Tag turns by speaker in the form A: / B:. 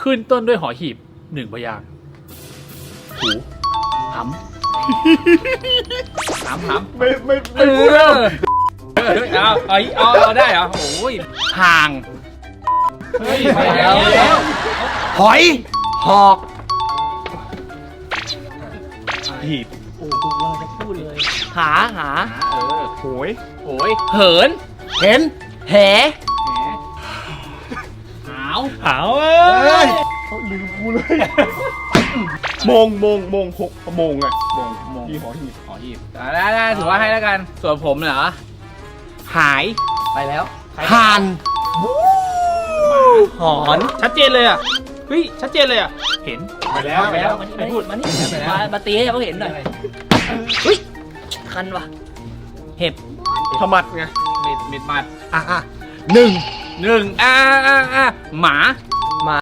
A: ขึ้นต้นด้วยหอหีบ1พยางค์หูหำ
B: ไม่พูดแล้ว
C: เอาได้เหรอโอ้ย
A: ห่าง
C: เฮ้ยไม่แล้ว
B: หอยหอกหีบ
C: โอ้กูกำลังจะพูดเลย
B: หาโหย
C: โอ้ย
A: เหิน
B: เห็นแห
C: หาว
A: หาวเอ้ย
B: เขาลืมกูเลยโมงหกโมงไงโมงที่หอหีบ
C: หอหีบได้ถือว่าให้แล้วกันส่วนผมเหรอ
A: หาย
C: ไปแล้ว
B: ห่าน
A: หอนชัดเจนเลยอ่ะเฮ้ยชัดเจนเลยอ่ะเห็น
B: ไปแล้ว
C: ไม่พูดมานี่
D: มาตีให้เขาเห็นหน่อยเฮ้ยคันว่ะเห็บ
B: ขมัดไง
C: มิดมัด
B: หนึ่ง
C: หมา